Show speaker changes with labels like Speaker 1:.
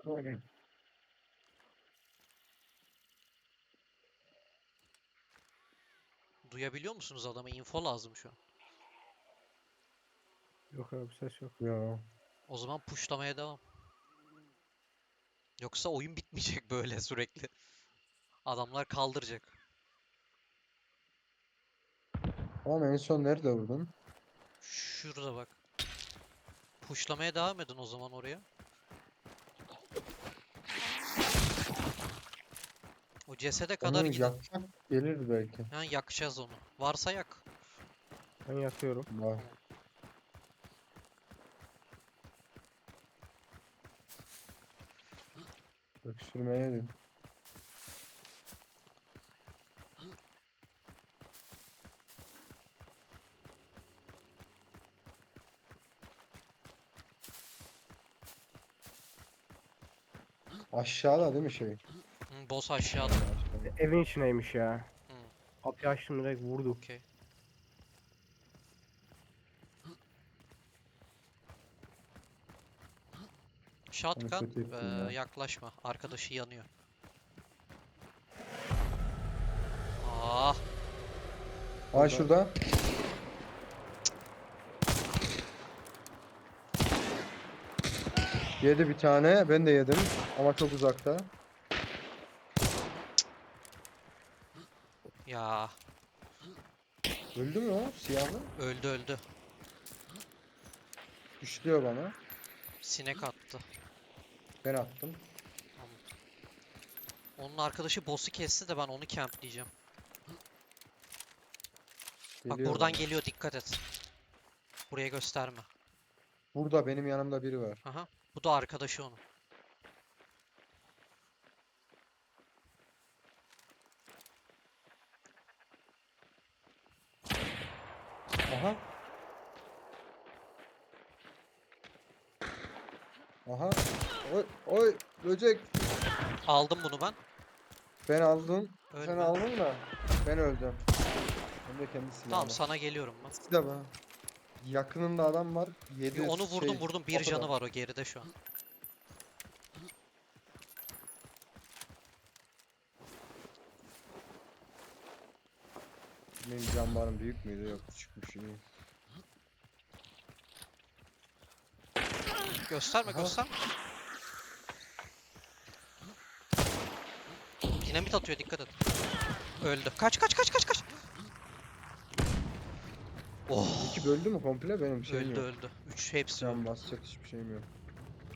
Speaker 1: Duyabiliyor musunuz adamı? Info lazım şu an.
Speaker 2: Yok abi ses yok.
Speaker 3: Ya.
Speaker 1: O zaman pushlamaya devam. Yoksa oyun bitmeyecek böyle sürekli. Adamlar kaldıracak.
Speaker 3: Ama en son nerede vurdun?
Speaker 1: Şurada bak. Pushlamaya devam edin o zaman oraya. O cesede kadar
Speaker 3: Onu
Speaker 1: gidin.
Speaker 3: yaksak gelir belki.
Speaker 1: Ha, yakacağız onu. Varsa yak.
Speaker 2: Ben yatıyorum.
Speaker 3: Var.
Speaker 1: Tamam.
Speaker 3: Öksürmeye din. Aşağıda değil mi şey?
Speaker 1: Boss aşağıda.
Speaker 3: Aşağıda.
Speaker 2: Evin içineymiş ya.
Speaker 1: Hı,
Speaker 2: Kapıyı açtım direkt vurdu.
Speaker 1: okey. Shotgun
Speaker 3: kötü ettin ya.
Speaker 1: yaklaşma. Arkadaşı yanıyor. Ah,
Speaker 3: Ay şurada. Yedi bir tane. Ben de yedim. Ama çok uzakta.
Speaker 1: ya
Speaker 3: Öldü mü o siyahlı?
Speaker 1: öldü öldü.
Speaker 3: Düşlüyor bana.
Speaker 1: Sinek attı.
Speaker 3: Ben attım.
Speaker 1: Tamam. Onun arkadaşı boss'u kesti de ben onu campleyeceğim. Bak
Speaker 3: Geliyor
Speaker 1: buradan
Speaker 3: bana.
Speaker 1: geliyor, dikkat et. Buraya gösterme.
Speaker 3: Burada benim yanımda biri var.
Speaker 1: Aha. Bu da arkadaşı onun.
Speaker 3: Aha. Aha. Oy, oy böcek.
Speaker 1: Aldım bunu ben.
Speaker 3: Ben aldım. Sen
Speaker 1: Ölme.
Speaker 3: aldın da ben öldüm. Ben de kendi silahımla.
Speaker 1: Tamam, sana geliyorum ben.
Speaker 3: İkisi de bana. Yakınında adam var. Yedi
Speaker 1: Onu vurdum
Speaker 3: şey,
Speaker 1: vurdum. Bir
Speaker 3: kapıda.
Speaker 1: canı var o geride şu an.
Speaker 3: Benim cambarım büyük müydü? Yok küçükmüş iyi.
Speaker 1: Gösterme
Speaker 3: Aha.
Speaker 1: gösterme. Dinamit atıyor, dikkat et. Öldü. Kaç kaç kaç kaç kaç. Oh.
Speaker 3: İki böldü mü komple? Benim şeyim
Speaker 1: Öldü
Speaker 3: yok.
Speaker 1: öldü. Üç hepsi öldü.
Speaker 3: Can basacak hiçbir şeyim yok.